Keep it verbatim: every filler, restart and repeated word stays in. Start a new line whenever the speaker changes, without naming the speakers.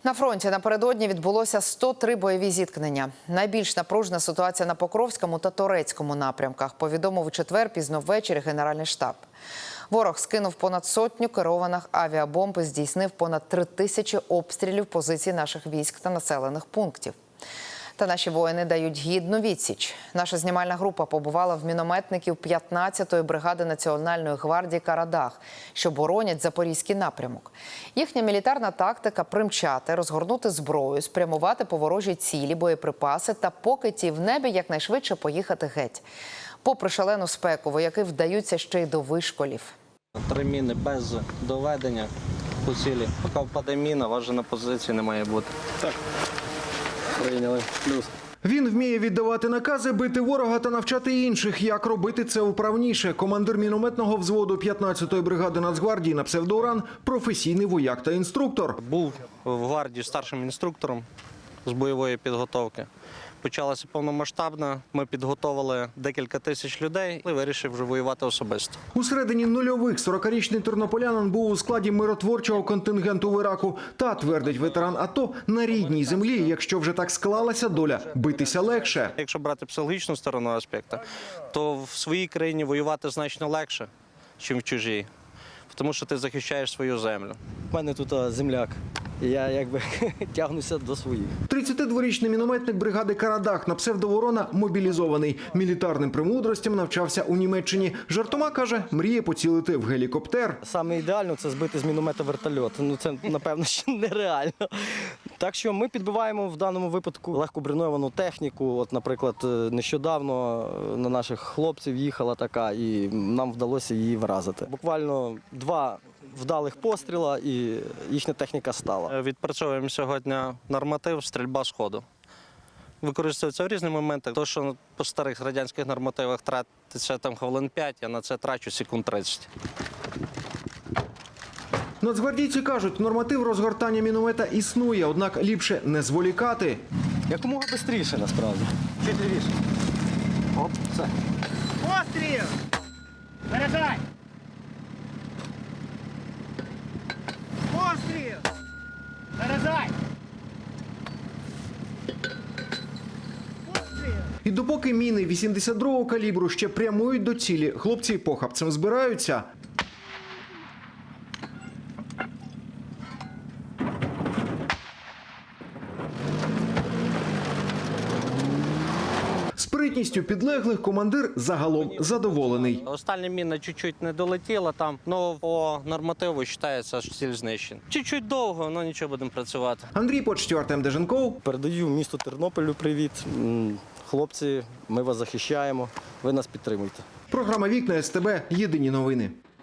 На фронті напередодні відбулося сто три бойові зіткнення. Найбільш напружена ситуація на Покровському та Торецькому напрямках, повідомив у четвер пізно ввечері Генеральний штаб. Ворог скинув понад сотню керованих авіабомб і здійснив понад три тисячі обстрілів позицій наших військ та населених пунктів. Та наші воїни дають гідну відсіч. Наша знімальна група побувала в мінометників п'ятнадцятої бригади Національної гвардії «Карадах», що боронять Запорізький напрямок. Їхня мілітарна тактика – примчати, розгорнути зброю, спрямувати по ворожій цілі, боєприпаси та поки ті в небі якнайшвидше поїхати геть. Попри шалену спеку, вояки вдаються ще й до вишколів.
Три міни без доведення по цілі. Поки впаде міна, вас же на позиції не має бути. Так. Прийняли. Плюс.
Він вміє віддавати накази, бити ворога та навчати інших, як робити це вправніше. Командир мінометного взводу п'ятнадцятої бригади Нацгвардії на псевдоуран – професійний вояк та інструктор.
Був в гвардії старшим інструктором з бойової підготовки. Почалася повномасштабна, ми підготовили декілька тисяч людей і вирішив вже воювати особисто.
У середині нульових сорокарічний тернополянин був у складі миротворчого контингенту в Іраку. Та, твердить ветеран АТО, на рідній землі, якщо вже так склалася доля, битися легше.
Якщо брати психологічну сторону аспекту, то в своїй країні воювати значно легше, ніж в чужій. Тому що ти захищаєш свою землю.
У мене тут земляк. Я якби тягнуся до своїх.
тридцятидворічний мінометник бригади «Карадах» на псевдоворона мобілізований. Мілітарним премудростям навчався у Німеччині. Жартома, каже, мріє поцілити в гелікоптер.
Саме ідеально – це збити з міномета вертольот. Ну це, напевно, ще нереально. Так що ми підбиваємо в даному випадку легко броньовану техніку. От, наприклад, нещодавно на наших хлопців їхала така, і нам вдалося її вразити. Буквально два вдалих постріла, і їхня техніка стала.
Відпрацьовуємо сьогодні норматив стрільба з ходу. Використовується в різні моменти. То, що по старих радянських нормативах тратиться там хвилин п'ять, я на це трачу секунд тридцять.
Нацгвардійці кажуть, норматив розгортання міномета існує, однак ліпше не зволікати.
Якомога швидше, насправді. Чуть лівіше. Оп, все.
Постріл! Заряджай! Постріл! Заряджай! Постріл!
І допоки міни вісімдесят другого калібру ще прямують до цілі, хлопці похапцем збираються. Спритністю підлеглих командир загалом задоволений.
Остання міна чуть-чуть не долетіла там, але по нормативу вважається, що ціль знищена. Чуть-чуть довго, але нічого, будемо працювати.
Андрій Почтів, Артем Деженков.
Передаю місту Тернополю привіт. М, Хлопці, ми вас захищаємо, ви нас підтримуйте.
Програма «Вікна СТБ». Єдині новини.